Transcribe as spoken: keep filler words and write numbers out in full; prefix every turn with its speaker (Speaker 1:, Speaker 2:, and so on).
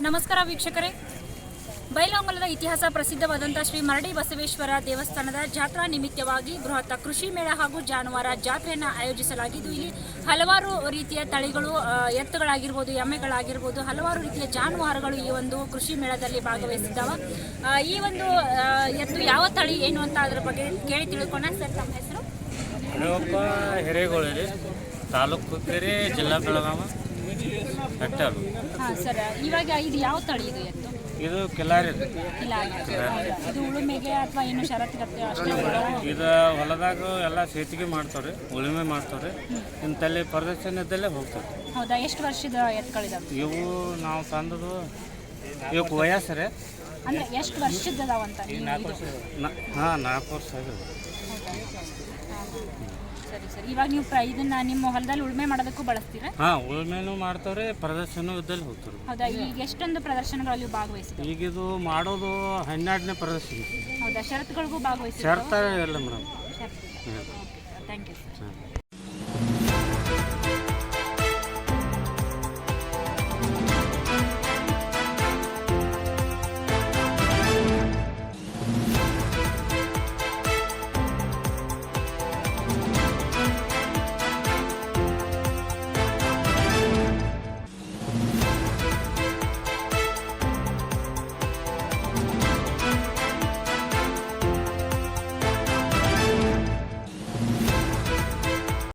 Speaker 1: ನಮಸ್ಕಾರ ವೀಕ್ಷಕರೇ, ಬೈಲಹೊಂಗಲದ ಇತಿಹಾಸ ಪ್ರಸಿದ್ಧವಾದಂಥ ಶ್ರೀ ಮರಡಿ ಬಸವೇಶ್ವರ ದೇವಸ್ಥಾನದ ಜಾತ್ರಾ ನಿಮಿತ್ತವಾಗಿ ಬೃಹತ್ ಕೃಷಿ ಮೇಳ ಹಾಗೂ ಜಾನುವಾರ ಜಾತ್ರೆಯನ್ನು ಆಯೋಜಿಸಲಾಗಿದ್ದು, ಇಲ್ಲಿ ಹಲವಾರು ರೀತಿಯ ತಳಿಗಳು, ಎತ್ತುಗಳಾಗಿರ್ಬೋದು, ಎಮ್ಮೆಗಳಾಗಿರ್ಬೋದು, ಹಲವಾರು ರೀತಿಯ ಜಾನುವಾರುಗಳು ಈ ಒಂದು ಕೃಷಿ ಮೇಳದಲ್ಲಿ ಭಾಗವಹಿಸಿದ್ದಾವೆ. ಈ ಒಂದು ಎತ್ತು ಯಾವ ತಳಿ ಏನು ಅಂತ ಅದರ ಬಗ್ಗೆ ಕೇಳಿ ತಿಳ್ಕೊಳ್ಳೋಣ. ಸರ್, ತಮ್ಮ ಹೆಸರು?
Speaker 2: ಹಣವಪ್ಪ ಹಿರೇಗೋಳಿ, ತಾಲೂಕು ಕೆರೆ, ಜಿಲ್ಲಾ ಬೆಳಗಾವಿ, ಹೆಕ್ಟರ್.
Speaker 1: ಹಾಂ ಸರ್, ಇವಾಗ ಇದು ಯಾವ ತಳಿ ಇದು ಎತ್ತು?
Speaker 2: ಇದು ಕಿಲಾರಿ.
Speaker 1: ಕಿಲಾರಿ. ಇದು ಉಳುಮೆಗೆ ಅಥವಾ ಏನು ಷರತ್ತಿಗತ್ತೆ ಅಷ್ಟೇ?
Speaker 2: ಇದು ಹೊಲದಾಗ ಎಲ್ಲ ಸೇತಿಗೆ ಮಾಡ್ತಾರೆ, ಉಳುಮೆ ಮಾಡ್ತಾರೆ. ಇಂತಲ್ಲಿ ಪ್ರದರ್ಶನದಲ್ಲೇ ಹೋಗ್ತಾರೆ.
Speaker 1: ಹೌದಾ? ಎಷ್ಟು ವರ್ಷದ ಎತ್ತುಗಳಿದಾವೆ
Speaker 2: ಇವು? ನಾವು ತಂದದು ಇವಕ್ಕೆ ವಯಸ್ಸರೇ
Speaker 1: ಅಂದರೆ ಎಷ್ಟು ವರ್ಷದದಾವಂತ?
Speaker 2: ಹಾಂ, ನಾಲ್ಕು ವರ್ಷ ಆಗಿದೆ.
Speaker 1: ಸರಿ ಸರಿ. ಇವಾಗ ನೀವು ಪ್ರ ಇದನ್ನ ನಿಮ್ಮ ಹೊಲದಲ್ಲಿ ಉಳುಮೆ ಮಾಡೋದಕ್ಕೂ ಬಳಸ್ತೀರಾ?
Speaker 2: ಹಾಂ, ಉಳುಮೆನೂ ಮಾಡ್ತಾರೆ, ಪ್ರದರ್ಶನ ಇದ್ದಲ್ಲಿ ಹೋಗ್ತಾರೆ.
Speaker 1: ಹೌದಾ? ಈಗ ಎಷ್ಟೊಂದು ಪ್ರದರ್ಶನಗಳಲ್ಲಿ ಭಾಗವಹಿಸಿದೆ?
Speaker 2: ಈಗ ಇದು ಮಾಡೋದು ಹನ್ನೆರಡನೇ ಪ್ರದರ್ಶನ.
Speaker 1: ಹೌದಾ? ಷರತ್ತುಗಳಿಗೂ ಭಾಗವಹಿಸಿ?
Speaker 2: ಶರ್ತ ಇಲ್ಲ ಮೇಡಮ್.
Speaker 1: Thank you sir.